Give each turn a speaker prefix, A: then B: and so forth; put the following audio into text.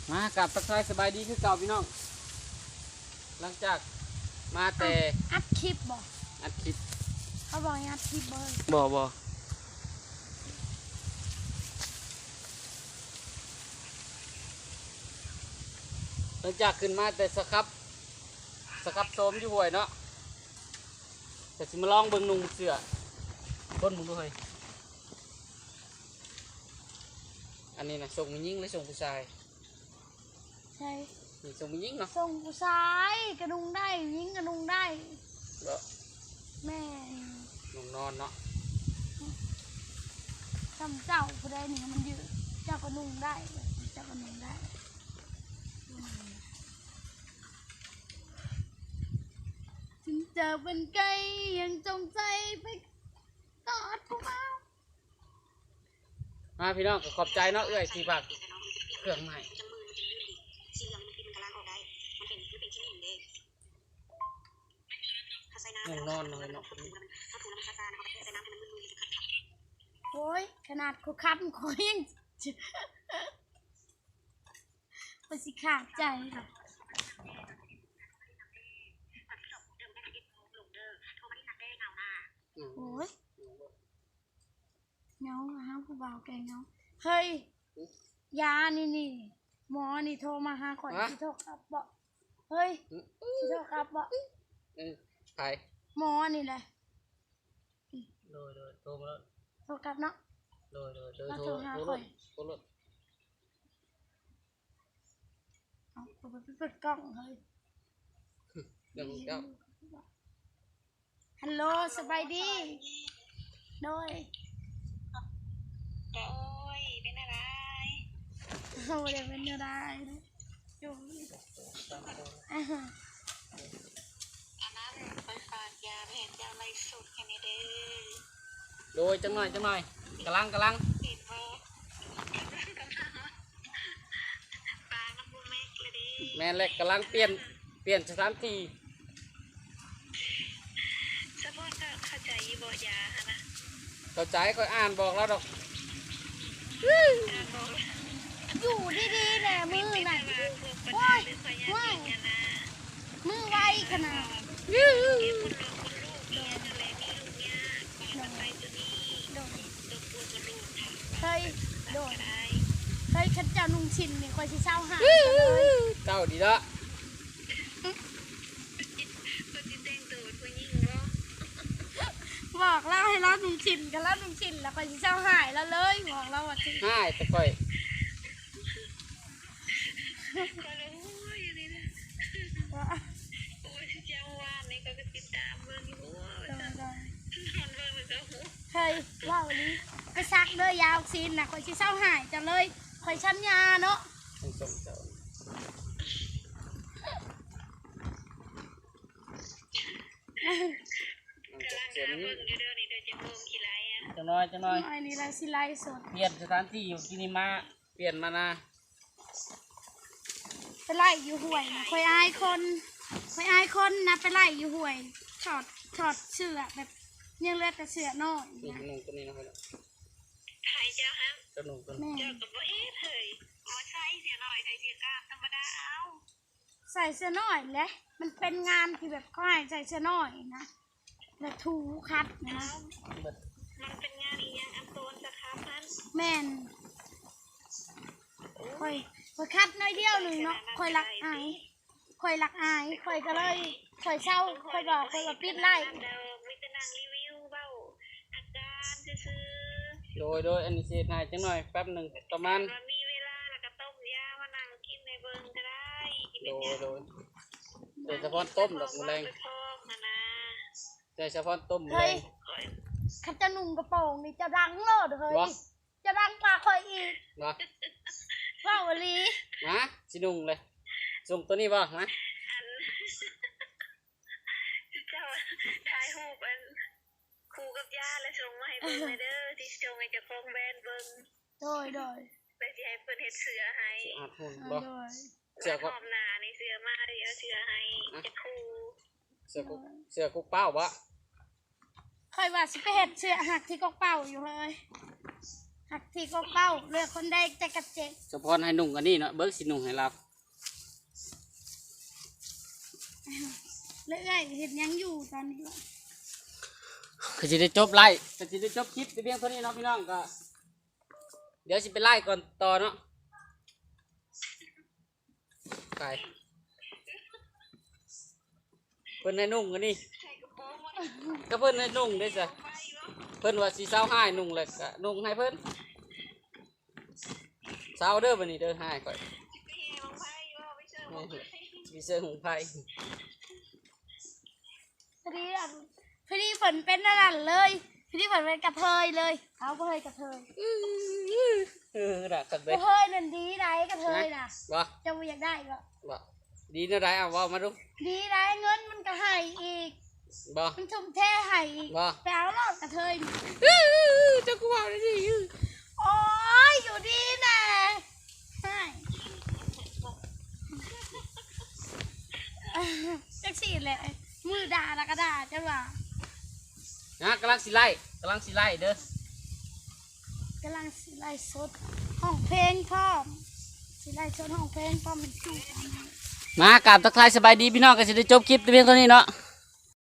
A: มากับทักทายสบายดีคือเก่าพี่น้องหลังจากมาแต่
B: อัดคลิปบ่
A: อัดคลิป
B: เขาบอกอัดคลิปบ่
A: บ่หลังจากขึ้นมาแต่สครับโซมอยู่ห่วยเนาะแต่สิมาลองเบิ่งนุ่งเสื้อต้นมึงด้วยอันนี้นะส่งผู้หญิงหรือส่งผู้ชาย
B: ใช่
A: นี่ส่งผู้หญิงเนาะ
B: ส่งผู้ชายกระดุงได้ยิงกระดุงได้
A: เนาะ
B: แม่
A: นุ่งนอนเนาะ
B: ทำเจ้าผู้ใดนี่มันยืดเจ้ากระดุงได้เจ้ากระดุงได้ถึงเจอเป็นไก่ยังจงใจไปกอดผู้เมา
A: มาพี่น้องก็ขอบใจเนาะเอื้อยที่ฝากเครื่องใหม่นอนเลยเนาะ
B: โอ้ยขนาดเขาคัดเขายังไปสิขาดใจค่ะโอ้ยเงาฮะผู้บ่าวแกเงาเฮ้ยยานี่หมอนี่โทรมาหาข่อยที่โทรกลับบอกเฮ้ยที่โทรกลับบอก
A: ใคร
B: หมอนี่แหละ
A: โดยโทรมาแล้ว
B: โทรกลับเนาะ
A: โดยโทรหาข่อยโทร
B: เอาไปเปิดกล้องเฮ้ย
A: เดี๋ยวเจ้า
B: ฮัลโหลสบายดีโดย
C: เป็นอะไร
B: โอ้ยเป็นอะไรอยู่
C: อันนั้นไปฝากยาเห็นยาไม่สุดแค่นี้เด้อ
A: โดยจังหน่อยกำลัง
C: เห็นว่าปลาน้ำบูเมกเลยดิ
A: แม่เล็กกำลังเปลี่ยนสถานที่
C: สะพอนก็เข้าใจบ่ยาฮะนะ
A: เข้าใจก็อ่านบอกแล้วดอก
B: อยู่ดีๆแหละมือน่ะว้ายมือไวขนาดเฮ้ยโดนเฮ้ยขันเจ้านุ่งชินเนี่ยคอยสิเศร้าหา
A: เจ้าดีละ
B: บอกเล่าให้เรานุ่งชินกันแล้วนุ่งชินแล้วคอยสิเศร้าหายแล้วเลยบอกเราว่า
A: หายแต่ค่อย
C: ก็เลยโอ้ยนี่นะโอ้ยเจ้าว่านี่ก็ติดตามเบิ่งอยู่มันเบิ่งมันก็หู
B: เฮ้ยว่าวันนี้ไปซักเลยยาวซีนนะคอยชิเศร้าหายจังเลยคอยชั้นยาเนาะ
A: จะน้อย
B: นี่ไรสิไลสด
A: เปลี่ยนสถานที่อยู่กินิมาเปลี่ยนมานะ
B: ไปไล่อยู่ห่วยคอยอายคนนะไปไล่อยู่ห่วยถอดเสื้อแบบยังเลือดแต่เสื้อน้อย
A: นี่นุ่งตัวนี้นะครับ
C: หายเจ้าฮะ
A: เจ้านุ่งตัว
C: นี้เจ้ากับว่าเฮ้ยมาใส่เสียหน่อยใส่เสียกล้ามธรรมดาเอา
B: ใส่เสื้อน้อยแหละมันเป็นงานที่แบบเขาให้ใส่เสื้อน้อยนะแล้วถูคัดนะ
C: มันเป็นงานอีกอย่างอันโตนสครับพัน
B: แม่นคอยคัดน้อยเดียวหนึ่งเนาะคอยรักอายคอยก็เลยคอยเช่าคอยบอกคอยปิดไล่
C: วิจารณ์รีวิวเบ้าอาการซื้อ
A: โดยอันนี้เสียหายจังหน่อยแป๊บหนึ่งประมาณ
C: มีเวลาแล้วก็ต้มยามานั่งกินในเบิ้งก็ได้
A: โดยเฉพาะต้มดอกมะแรงเฉพาะต้มเลย
B: ข้าจะนุ่งกระโปรงนี่จะดังโลดเฮ้ยจะดังปากคอยอีกว่าอลี
A: มาสินุ่งเลยส่งตัวนี้บ่นะ
C: เจ้าถ่ายรูปอันคู่กับยาแล้วส่งมาให้เบิ้งเด้อที่ส่งให้เจ้าของแบรนด์เบิ้ง
B: โดย
C: ไปสิให้เพิ่นเฮ็ดเสื้อให้
A: เสื้อ
C: ขอบหน้าในเสื้อมาดิเอาเสื้อให้จะคู่
A: เสื้อกุ๊กเป้าบ่
B: คอยว่าสิไปเฮ็ดเสื้อหักที่กกเป้าอยู่เลยหักที่เก้าเลือกคนได้แต่กระเจ็ด
A: เฉพาะให้นุ่งอันนี้เนาะเบิกสินุ่งให้เรา
B: เลื่อยเห็นยังอยู่ตอนนี้วะ
A: ก็จะได้จบไล่ก็จะได้จบคลิปแต่เพียงเท่านี้เนาะพี่น้องก็เดี๋ยวสิไปไล่ก่อนต่อเนาะไก่เพิ่นให้นุ่งอันนี้
C: ใส่กระโปรงมัน
A: ก็เพิ่นให้นุ่งได้จ้ะ
C: ไปวะ
A: เพิ่นว่าสิเศร้าให้นุ่งเลยก็นุ่งให้เพิ่นเศร้าเด้อบัดนี้เด้อให้ก่อย
C: ไปแห่บังไฟวะไปเชิญบังไฟ
A: มีเสื้อหุงไผ่
B: พอดีอ่ะพอดีฝนเป็นนั่นนะเลยพอดีฝนเป็นกระเทยเลยเขากระเทยกระเทย
A: น่ะกัน
B: ก
A: เด้
B: ระเทยนั่นดีไรกระเทยน่ะ
A: บ่
B: จะไม่อยากได้ก็
A: บ่ดีนะได้เอาเว้ามาดู
B: ดีไรเงินมันก็ให้อีก
A: บ่
B: มันทุ่มเทให้อีก
A: บ่
B: ไปเอารอดกระเทย
A: เจ้ากูว่าได้ดิ
B: โอ้ยอยู่ดีนะใช่จักสีแหละมือด่าแล้วก็ด่าจังหวะ
A: นะกำลังสิไล่เด้อก
B: ำลังสิไล่สดห้องเพลงพร้อมสิไล่สดห้องเพลงพร้อมเป็นสู้
A: มากราบทักทายสบายดีพี่น้องก็สิได้จบคลิปแต่เพียงเท่านี้เนาะ